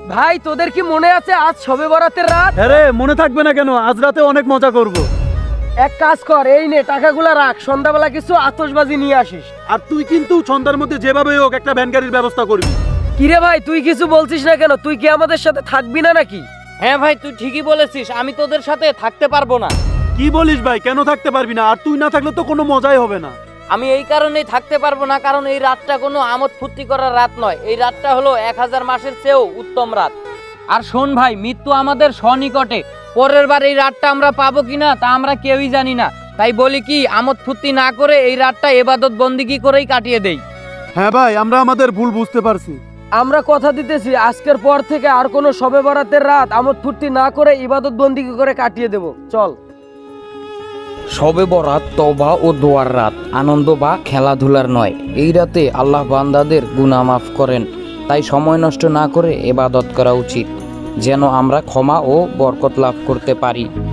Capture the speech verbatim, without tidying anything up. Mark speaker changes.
Speaker 1: ভাই তোদের কি মনে আছে আজ শবে বরাতের রাত?
Speaker 2: হ্যাঁ রে, মনে থাকবে না কেন? আজ রাতে অনেক মজা করব।
Speaker 1: এক কাজ কর, এই নে টাকাগুলা রাখ, সন্ধ্যাবেলা কিছু আতশবাজি নিয়ে আসিস।
Speaker 2: আর তুই কিন্তু সন্ধ্যার মধ্যে যেভাবে হোক একটা ভ্যান গাড়ির ব্যবস্থা করবি।
Speaker 1: কিরে ভাই, তুই কিছু বলছিস না কেন? তুই কি আমাদের সাথে থাকবি না নাকি?
Speaker 3: হ্যাঁ ভাই, তুই ঠিকই বলেছিস, আমি তোদের সাথে থাকতে পারবো না।
Speaker 2: কি বলিস ভাই, কেন থাকতে পারবি না? আর তুই না থাকলে তো কোনো মজাই হবে না।
Speaker 3: আমি এই কারণেই থাকতে পারবো না, কারণ এই রাতটা কোনো আমোদ ফুর্তি করার রাত নয়। এই রাতটা হলো এক হাজার মাসের চেয়েও উত্তম রাত। আর শোন ভাই, মৃত্যু আমাদের সনিকটে। পরের বার এই রাতটা আমরা পাবো কিনা তা আমরা কেউই জানি না। তাই বলি কি, আমোদ ফুর্তি না করে এই রাতটা ইবাদত বন্দিগি করেই কাটিয়ে দেই।
Speaker 2: হ্যাঁ ভাই, আমরা আমাদের ভুল বুঝতে পারছি।
Speaker 1: আমরা কথা দিতেছি আজকের পর থেকে আর কোনো শবে বরাতের রাত আমোদ ফুর্তি না করে ইবাদত বন্দিগি করে কাটিয়ে দেব। চল।
Speaker 3: শবে বরাত তওবা ও দোয়ার রাত, আনন্দ বা খেলাধুলার নয়। এই রাতে আল্লাহ বান্দাদের গুনাহ মাফ করেন। তাই সময় নষ্ট না করে ইবাদত করা উচিত, যেন আমরা ক্ষমা ও বরকত লাভ করতে পারি।